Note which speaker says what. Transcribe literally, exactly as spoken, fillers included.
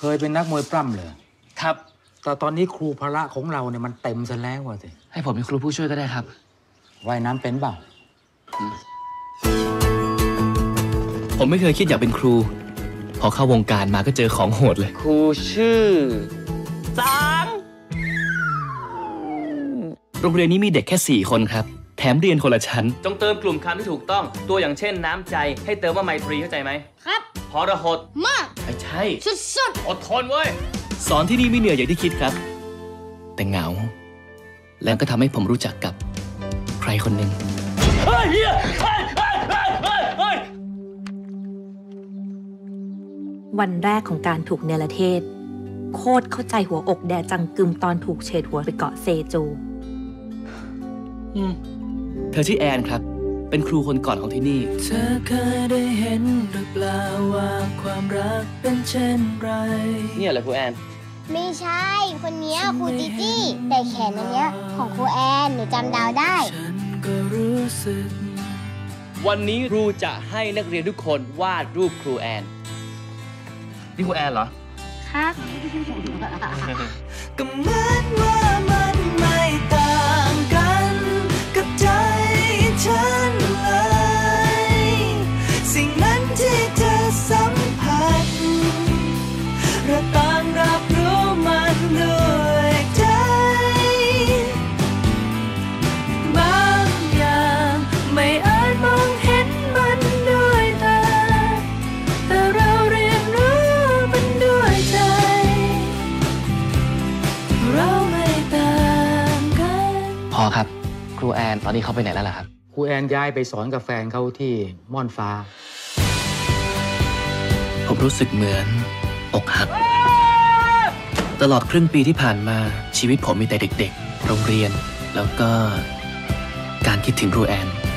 Speaker 1: ยเป็นนักมวยปล้ำเลย
Speaker 2: ครับ
Speaker 1: แต่ตอนนี้ครูพละของเราเนี่ยมันเต็มซะแล้วว่ะสิ
Speaker 2: ให้ผมเป็นครูผู้ช่วยก็ได้ครับ
Speaker 1: ว่ายน้ำเป็นเปล่า
Speaker 2: ผมไม่เคยคิดอยากเป็นครูพอเข้าวงการมาก็เจอของโหดเลยครูชื่อสังโรงเรียนนี้มีเด็กแค่สี่คนครับแถมเรียนคนละชั้นจงเติมกลุ่มคำที่ถูกต้องตัวอย่างเช่นน้ำใจให้เติมว่าไมตรีเข้าใจไหมครับพรหดมากไม่ใช่สุดๆอดทนเว้ยสอนที่นี่ไม่เหนื่อยอย่างที่คิดครับแต่เหงาแล้วก็ทำให้ผมรู้จักกับใครคนหนึ่งเฮ้ยเฮียเฮ้ยเฮ้ยเฮ้ยเฮ้ย
Speaker 3: วันแรกของการถูกเนรเทศโคตรเข้าใจหัวอกแดจังกึมตอนถูกเฉดหัวไปเกาะเซจู
Speaker 2: เธอชื่อแอนครับเป็นครูคนก่อนของที่นี่
Speaker 4: เธอเคยได้เห็นหรือเปล่าว่าความรักเป็นเช่นไร
Speaker 2: เนี่ยแหละครูแอน
Speaker 5: ไม่ใช่คนนี้ครูจิจี้แต่แขนอันเนี้ยของครูแอนหนูจำดาวได้
Speaker 4: ฉันก็รู้สึก
Speaker 2: วันนี้ครูจะให้นักเรียนทุกคนวาดรูปครูแอนนี่ครูแอนเหรอ
Speaker 5: ครับ
Speaker 4: ก็เหมือนว่ามันไม่ต่างกันกับใจฉันเลยสิ่งนั้นที่เธอสัมผัสเราต่างรับรู้มันด้วยใจบางอย่างไม่อาจมองเห็นมันด้วยตาแต่เราเรียนรู้มันด้วยใจเราไม่ต่างกัน
Speaker 2: พอครับครูแอนตอนนี้เขาไปไหนแล้วล่ะครับ
Speaker 1: ครูแอนย้ายไปสอนกับแฟนเขาที่ม่อนฟ้า
Speaker 2: ผมรู้สึกเหมือนอกหักตลอดครึ่งปีที่ผ่านมาชีวิตผมมีแต่เด็กๆโรงเรียนแล้วก็การคิดถึงครูแอน